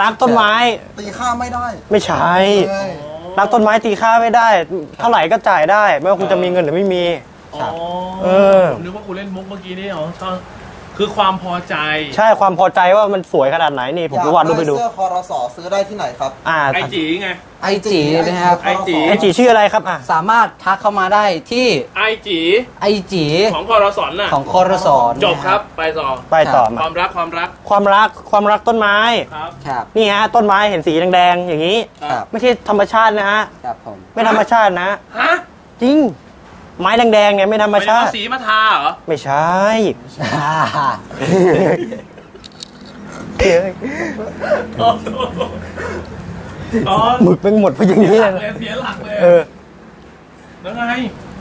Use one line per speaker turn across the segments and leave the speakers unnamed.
รักต้นไม้
ตีค่าไม่ได้
ไม่ใช่รักต้นไม้ตีค่าไม่ได้เท่าไหร่ก็จ่ายได้ไม่ว่าคุณจะมีเงินหรือไม่มี
ผมนึกว่าคุณเล่นมุกเมื่อกี้นี่อ๋อคือความพอใจ
ใช่ความพอใจว่ามันสวยขนาดไหนนี่ผมวาดรูปไปดู
เสื้อคอรสซื้อได้ที่ไหนครับ
ไอจีไง
ไอจีนะครับ
ไอจีชื่ออะไรครับ
สามารถทักเข้ามาได้ที่
ไอจีของคอรสน่ะ
ของคอรส
จบครับไปต่อความ
รักต้นไม้
ครับ
นี่ฮะต้นไม้เห็นสีแดงๆอย่างนี้ไม่ใช่ธรรมชาตินะฮะไม่ธรรมชาตินะจริงไม้แดงๆเนี่ยไม่ธรรมชาติ
สีมาทาเหรอ
ไม่ใช่หมึกเป็นหมดเพราะอย่างนี้
เลยเสียหลักเลยแล้วไง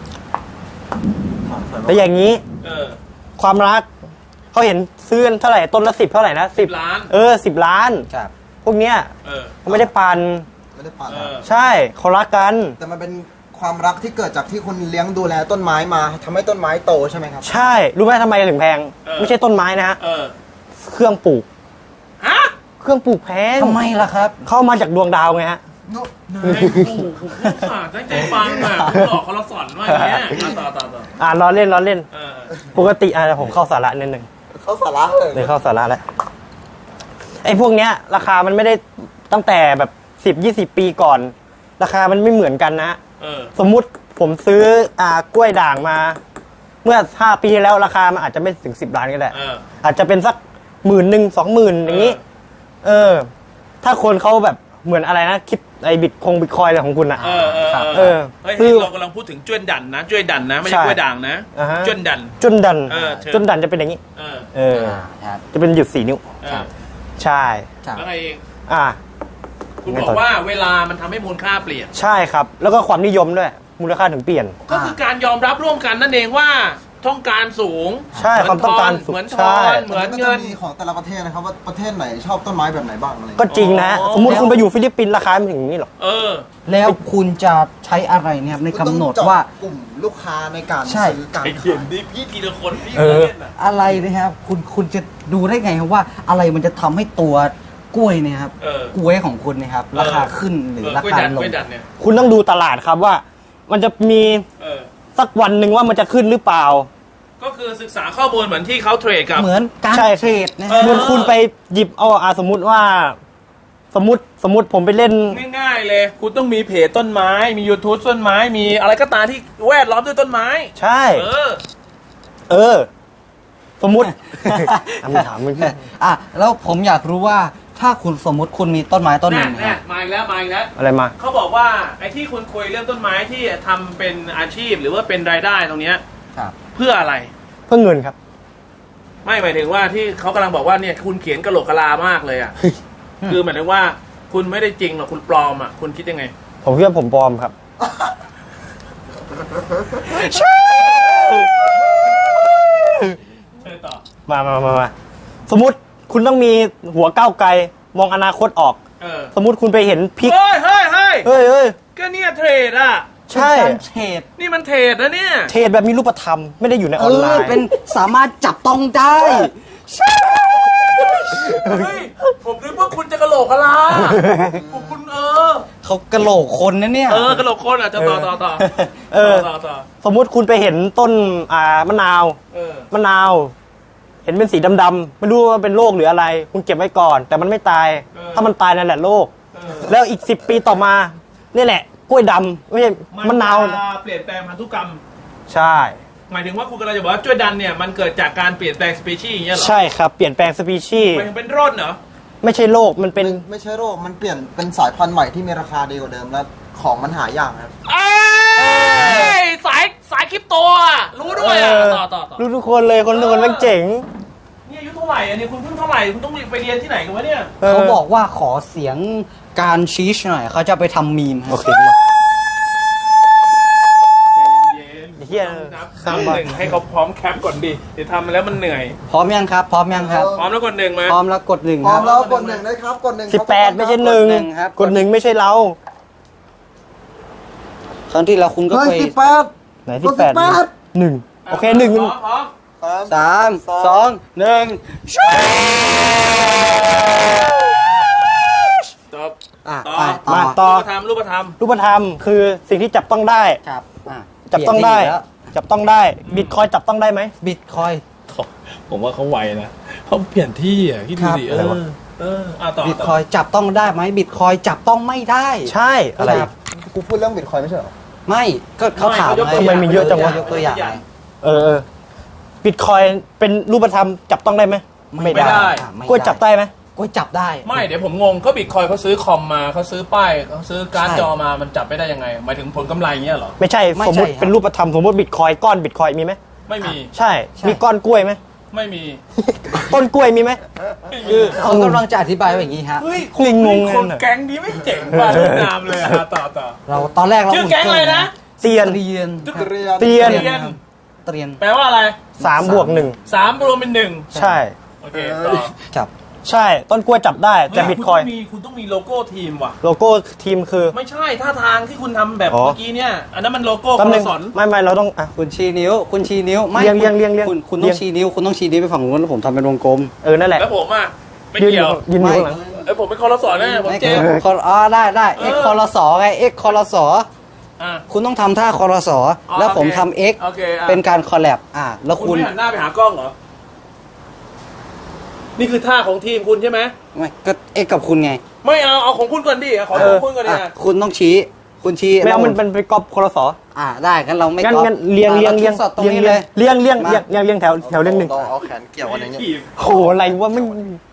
แต่อย่างนี้ความรักเขาเห็นซื้อเท่าไหร่ต้นละ10เท่าไหร่นะ
10 ล้าน
10 ล้านพวกเนี้ยเขาไม่ได้ปั่นใช่เขารักกัน
แต่มันเป็นความรักที่เกิดจากที่คุณเลี้ยงดูแลต้นไม้มาทำให้ต้นไม้โตใช่ไหมครับ
ใช่รู้ไหมทำไมถึงแพงไม่ใช่ต้นไม้นะฮะเครื่องปลูกเครื่องปลูกแพง
ทำไมล่ะครับ
เข้ามาจากดวงดาวไงฮะ
นายปลูกตั้งใจฟังอ่ะคุณหลอกเขาเราสอนว่าอย่างเงี้ย
ต่อล้อเล่นปกติผมเข้าสาระนิดนึง
เข้าสาระ
เลยเข้าสาระแล้วไอ้พวกเนี้ยราคามันไม่ได้ตั้งแต่แบบ10-20 ปีก่อนราคามันไม่เหมือนกันนะสมมุติผมซื้อกล้วยด่างมาเมื่อ5 ปีแล้วราคามันอาจจะไม่ถึง10 ล้านก็ได้อาจจะเป็นสัก10,000 20,000อย่างนี้ถ้าคนเขาแบบเหมือนอะไรนะคิดไอ้บิตคอยอะไรของคุณอ่ะ
คือเรากำลังพูดถึงจ้วนดันนะจ้วนดันนะไม่ใช่กล้วยด่างนะจ้วนดัน
จะเป็นอย่างนี้จะเป็นหยุด4 นิ้วใช่
แล้วไงเองคุณ
บ
อกว่าเวลามันทำให้มูลค่าเปลี่ยน
ใช่ครับแล้วก็ความนิยมด้วยมูลค่าถึงเปลี่ยน
ก็คือการยอมรับร่วมกันนั่นเองว่าต้องการสูง
ใช่ความต้องการสูง
เหมือนทอนเหมือนเงิน
ของแต่ละประเทศนะครับว่าประเทศไหนชอบต้นไม้แบบไหนบ้างอะไร
ก็จริงนะสมมติคุณไปอยู่ฟิลิปปินส์ราคาไม่ถึงนี้หรอก
แล้วคุณจะใช้อะไรเนี่ยในกำหนดว่าก
ลุ่มลูกค้าในการซื้อการ
เขียนดิพี่ทีละคนพี่
อะไรนะครับคุณจะดูได้ไงครับว่าอะไรมันจะทำให้ตัวกล้วยเนี่ยครับกล้วยของคุณเนี่ยครับราคาขึ้นหรือราคาลง
คุณต้องดูตลาดครับว่ามันจะมีสักวันหนึ่งว่ามันจะขึ้นหรือเปล่า
ก็คือศึกษาข้อมูลเหมือนที่เขาเทรดกับ
เหมือนการเทรดนะ
เหมือนคุณไปหยิบสมมุติว่าสมมติผมไปเล่น
ง่ายๆเลยคุณต้องมีเพจต้นไม้มี YouTube ต้นไม้มีอะไรก็ตามที่แวดล้อมด้วยต้นไม้
ใช่สมมุติถามมึง
แล้วผมอยากรู้ว่าถ้าคุณสมมุติคุณมีต้นไม้ต้นหนึ่ง
มาอีกแล้ว
อะไรมา
เขาบอกว่าไอ้ที่คุณคุยเรื่องต้นไม้ที่ทำเป็นอาชีพหรือว่าเป็นรายได้ตรงเนี้ยเพื่ออะไร
เพื่อเงินครับ
ไม่หมายถึงว่าที่เขากำลังบอกว่าเนี่ยคุณเขียนกะโหลกกะลามากเลยอ่ะคือหมายถึงว่าคุณไม่ได้จริงหรอกคุณปลอมอ่ะคุณคิดยังไง
ผมคิดว่าผมปลอมครับใช่
ต่อ
มาสมมุติคุณต้องมีหัวก้าวไกลมองอนาคตออกสมมุติคุณไปเห็นพริก
เฮ้ยก็เนี่ยเทรดอ่ะ
ใช่
เทรด
นี่มันเทรดนะเนี่ย
เทรดแบบมีรูปธรรมไม่ได้อยู่ในออนไลน์
เป็นสามารถจับต้องได้
ผมนึกว่าคุณจะกะโหลกกะลาคุณ
เขากะโหลกคนนะเนี่ย
กะโหลกคนอ่ะจะต่อ
สมมุติคุณไปเห็นต้นมะนาวเห็นเป็นสีดำๆไม่รู้ว่าเป็นโรคหรืออะไรคุณเก็บไว้ก่อนแต่มันไม่ตายถ้ามันตายนั่นแหละโรคแล้วอีก10 ปีต่อมานี่แหละกล้วยดำไม่ใช่มะนาว
เปลี่ยนแปลงพันธุกรรม
ใช่
หมายถึงว่าคุณกำลังจะบอกว่ากล้วยดันเนี่ยมันเกิดจากการเปลี่ยนแปลงสปีชีส์อย่างเงี้ยหรอ
ใช่ครับเปลี่ยนแปลงสปีชีส์
มันเป็นโรคเหรอ
ไม่ใช่โรคมันเป็น
ไม่ใช่โรคมันเปลี่ยนเป็นสายพันธุ์ใหม่ที่มีราคาดีกว่าเดิมแล้วของมันหายากครับ
สายคริปโตรู้ด้วยต่อ
รู้ทุกคนเลยคนทุกคนแม่งเจ๋ง
นี่อายุเท่าไหร่อันนี้คุณเพิ่งเท่าไหร่คุณต้องไปเรียนที่ไหนกันวะเนี่ย
เขาบอกว่าขอเสียงการชี้หน่อยเขาจะไปทำมีม
โอเค
เฮียนับ1ให้เขาพร้อมแคปก่อนดิเดี๋ยวทำมาแล้วมันเหนื่อย
พร้อมยังครับพร้อม
แล้วกด1มา
พร้อมแล้วกด1
พร้อมแล้วกด1นะครับกด1
18ไม่ใช่1ครับกด1ไม่ใช่เรา
ครั้งที่เราคุณก็ไป
ไหน18 1โอเค1
3 2 1
รูปธรรม
รูปธรรมคือสิ่งที่จับต้องได้
ครับอ่ะ
จับต้องได้
เปลี่ยนที่แล้ว
จับต้องได้บิตคอยจับต้องได้ไหม
บิตคอย
ผมว่าเขาไวนะเขาเปลี่ยนที่อ่ะคิดดูดิ
อะไรวะ
ต่อ
บิตคอยจับต้องได้ไหมบิตคอยจับต้องไม่ได้
ใช่อะไร
ครับ
กูพูดเรื่องบิตคอยไม่ใช่เหรอ
ไม่ก็เขาถาม
ทำไมมีเยอะจังวะ
ยกตัวอย่างไง
บิตคอยเป็นรูปธรรมจับต้องได้ไหม
ไม่ได้
อ่ะไม่
กล้วยจับได้ไหม
กล้วยจับได้
ไม่เดี๋ยวผมงงเขาบิตคอยเขาซื้อคอมมาเขาซื้อป้ายเขาซื้อการ์ด
ใช่
จอมามันจับไม่ได้ยังไงหมายถึงผลกำไรเงี้ยเหรอ
ไม่ใช่
ไม่
สมมติ
ใช่ครับ
เป็นรูปธรรมสมมติบิตคอยก้อนบิตคอยมีไหม
ไม่มี
ใช่
ใช่
มีก้อนกล้วยไหม
ไม่มี
ต้นกล้วยมีไหม
คือเขากำลังจะอธิบายว่าอย่างนี้ฮะ
เฮ้ย
งง
คน
เลย
แก๊งนี้ไม่เจ๋งว่ะเวียดนามเลยอะต่อ
เราตอนแรกเรา
ชื่อแก๊งอะไรนะ
เตียน
เตียน
เรียน
เตียน
เรียน
เตียน
แปลว่าอะไร
3+1
3รวมเป็น 1
ใช่
โอเคต่อ
จับ
ใช่ต้นกล้วยจับได้แต่บิตคอย
คุณต้องมีโลโก้ทีมว่ะ
โลโก้ทีมคือ
ไม่ใช่ท่าทางที่คุณทำแบบ
อ๋อ
เมื่อกี้เนี่ย อันนั้นมันโลโก้
แป๊บ
ค
นึ
น
ง
สอน
ไม่เราต้องอ่ะ
คุณชี้นิ้ว คุณชี้นิ้วไม่
เรียงเรียงเรียงเรียง
คุณ
เรี
ต้
ย
อง งชี้นิ้ว คุณต้องชี้นิ้วไปฝั่งนู้นแล้วผมทำเป็นวงกลม
นั่นแหละ
แล้วผมอ่ะไม่
ยืนอ
เกี่ย
ยู่
ว
ยืนอยู่ข้างหลัง
ผมเป็นคอรสอนแน่ผม
ไม่
เจ๊
อ๋อได้เอ็กคอรสอไงเอ็กคอรสอ
อ่ะ
คุณต้องทำท่าคอรสอแล้วผมทำเอ็ก
โอเคอ่ะ
เป็นการคอลแลบแล้ว
คุ
คุณ ณ
ไม่หันหน้าไปหากล้องเหรอ นี่คือท่าของทีมคุณใช่ไหม
ไม่ก็เอ็กกับคุณไง
ไม่เอาของคุณก่อนดิขอของคุณก่อนดิ
อ่ะคุณต้องชี้ คุณชี้
ไม่เอา
แล้ว
มันเป็นกอบคอรสอ
ได้งั้นเราไม่
งั้น
ก๊อป
งั้นเรียง
อ่ะ
เรียง
ราทดสอบตรง
เรียง
นี้เลย
เรียงเรียง
มา
เรียงเรียงแถวเรียงหนึ่ง
ต้องเอาแขนเกี่ยวอะไรเงี้ย
ทีม
โหอะไรวะไม่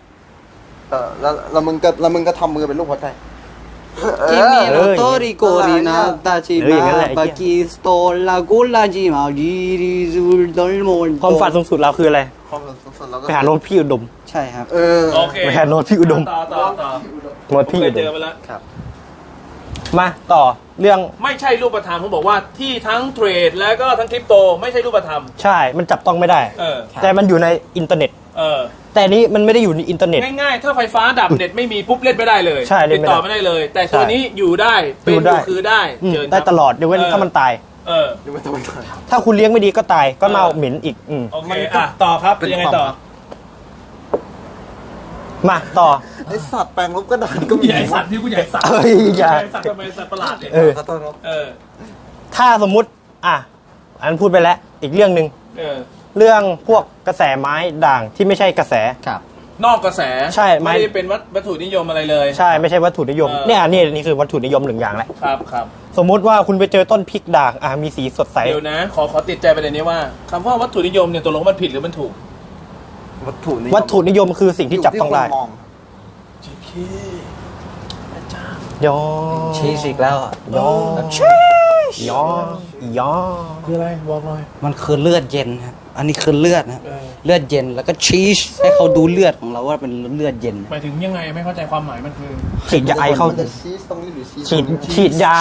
แล้วมึงก็ทำมือเป็นรูปหัวใจ
จิมิโนโตริโกรินาตาชิมาบากิสโตลากุลาจิมาดีริซูลดอลโมน
ความฝันสูงสุดเราคืออะไร
ความสุดๆแล้วก็
ไปหาโน้ตพี่อุดม
ใช่ครับ
โอเค
ไปหาโน้ตพี่อุดม
ต่อ
โน้ตพี่
เค
อุ
ย
ด
เจอ
ม
มาแล้ว
มาต่อเรื่อง
ไม่ใช่รูปธรรมผมบอกว่าที่ทั้งเทรดแล้วก็ทั้งคริปโตไม่ใช่รูปธรรม
ใช่มันจับต้องไม่ได้
เออ
แต่มันอยู่ในอินเทอร์เน็ต
เออ
แต่นี้มันไม่ได้อยู่ในอินเทอร์เน็ต
ง่ายๆ ถ้าไฟฟ้าดับเน็ตไม่มีปุ๊บเล่นไม่ได้เลย
ใช่เล่
ติ
น
ด
ไม่ได้
ต่อไม่ได้เลย แต่ตัวนี้อยู่ได้เป็น
อยู่ได้
อยู่คือได้
อืม
เชิญครับ
ได้ตลอดเดี๋ยวเว้นถ้ามันตาย
เออ
ดูไม่ต้องไปถ่าย
ถ้าคุณเลี้ยงไม่ดีก็ตายก็เน่าเหม็นอีก
โอเคอ่ะต่อครับ
เป็น
ยังไง
ความ
ต่อ
มาต่อ
ไอสัตว์แปลงลบกระดานก็มี
ใหญ่สัตว์ที่กูใหญ่สัตว์
เอ้ยอย่า
ใหญ่สัตว์ทำไมสัตว์ประหลาดเนี่ย
เออ
ขอโทษครับ
เออ
ถ้าสมมุติอันพูดไปแล้วอีกเรื่องหนึ่ง
เออ
เรื่องพวกกระแสไม้ด่างที่ไม่ใช่กระแส
ครับ
นอกกระแส
ใช่ไม่
ไม่ได้เป็นวัตถุนิยมอะไรเลย
ใช่ไม่ใช่วัตถุนิยม
เออ
เนี่ยนี่คือวัตถุนิยมหนึ่งอย่างแหละ
ครับ
สมมุติว่าคุณไปเจอต้นพริกด่างมีสีสดใส
เดี๋ยวนะ ขอติดใจประเด็นนี้ว่าคำว่าวัตถุนิยมเนี่ยตกลงมันผิดหรือมันถูก
วัตถุนิยม
วัตถุนิยมคือสิ่งที่จับต้องได้
ยู่ที่คนมอง
ยอ
ชีสอีกแล้วอ่ะ
ยอยอ
คืออะไรบอกหน่อย
มันคือเลือดเย็นครับ อันนี้คือเลือดนะครับ
เออ
เลือดเย็นแล้วก็ชีสให้เขาดูเลือดของเราว่าเป็นเลือดเย็น
หมายถึงยังไงไม่เข้าใจความหมายมันคือ
ฉีดยาไอเข้า
มันจะชีสตรงนี้หรือชีส
ฉีด
ตรงนี้
ฉีดยา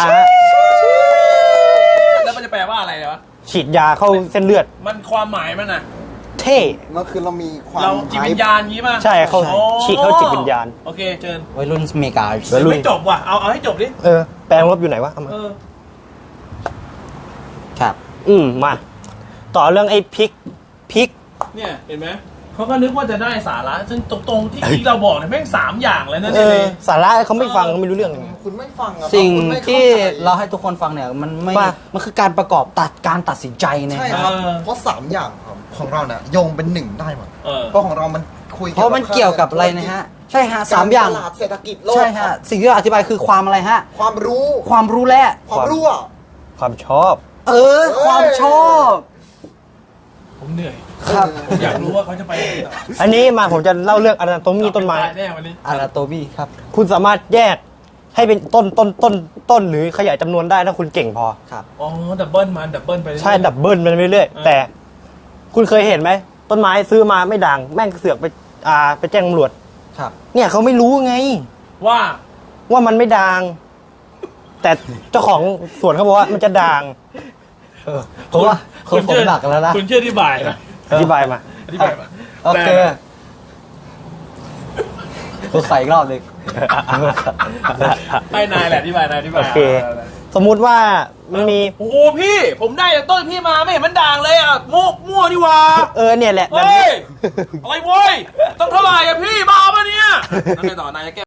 แล้วมันจะแปลว่าอะไรวะ
ฉีดยาเข้าเส้นเลือด
มันความหมายมันอ่ะ
เท่
มันคือเรามีความ
เราจิตวิญญาณงี้ป่ะ
ใช่เขา
โอ้
ฉีดเข้าจิตวิญญาณ
โอเคเชิญ
วัยรุ่นเมกา
วัยรุ่น
ไม่จบว่ะเอาให้จบดิ
แปลงลบอยู่ไหนวะเอามา
เออ
ครับ
มาต่อเรื่องไอ้พริก
เนี่ยเห็นไหมเขาก็นึกว่าจะได้สาระซึ่งตรงๆที่เราบอกเนี่ยแม่ง3อย่างเลยนะเนี่ย
สาระเขาไม่ฟังเขาไม่รู้เรื่อง
คุณไม่ฟังอะ
สิ่ง
คุณไม่เข้า
ที่
ใจ
เราให้ทุกคนฟังเนี่ยมันไม่
ว่า
มันคือการประกอบการตัดสินใจนะ
ใช่
ครับ
ครับ เพราะ3อย่างครับของเราเนี่ยโยงเป็นหนึ่งได้หมด
เออ
เพราะของเรามันคุย
เพราะมันเกี่ยวกับอะไรนะฮะ ใช่ฮะสามอย่าง
ตลาดเศรษฐกิจโลก
ใช่ฮะ สิ่งที่เราอธิบายคือความอะไรฮะ
ความรู้
ความรู้และ
ความรู้อะ
ความชอบ
ความชอบ
ผมเหนื่อย
ครับ
ผมอยากรู้ว่าเขาจะไปไหนต่อ
อันนี้มาผมจะเล่าเรื่องอนาโตมีต้นไม้
ตายแน่วันนี้
อาราโตบีครับ
คุณสามารถแยกให้เป็นต้นหรือขยายจำนวนได้ถ้าคุณเก่งพอ
ครับ
อ๋อดับเบิลไปเรื่อยๆ
ใช่ดับเบิลมันเรื่อยๆแต่ คุณเคยเห็นไหมต้นไม้ซื้อมาไม่ด่างแม่งเสือกไปแจ้งตำรวจ
ครับ
เนี่ยเขาไม่รู้ไง
ว่า
ว่ามันไม่ด่าง แต่เจ้าของสวนเขาบอกว่ามันจะด่าง
เพราะว่าคนผมหนักแล้วนะ
คุณเชื่อที่บ่ายนะ
อธิบายมา
อธิบายมา
โอเคผมใส่อีกรอบหนึ่ง
ให้นายแหละอธิบายนายอธิบาย
โอเค สมมุติว่ามันมี
โอ้โหพี่ ผมได้จากต้นพี่มาไม่เห็นมันด่างเลยอ่ะมั่วนี่หว่า
เนี่ยแหละแบบ
เฮ้
นี้
ยอะไรเว้ยต้องเท่าไหร่อ่ะพี่บ้าปะเนี่ยแล้วไงต่อนายจะแก้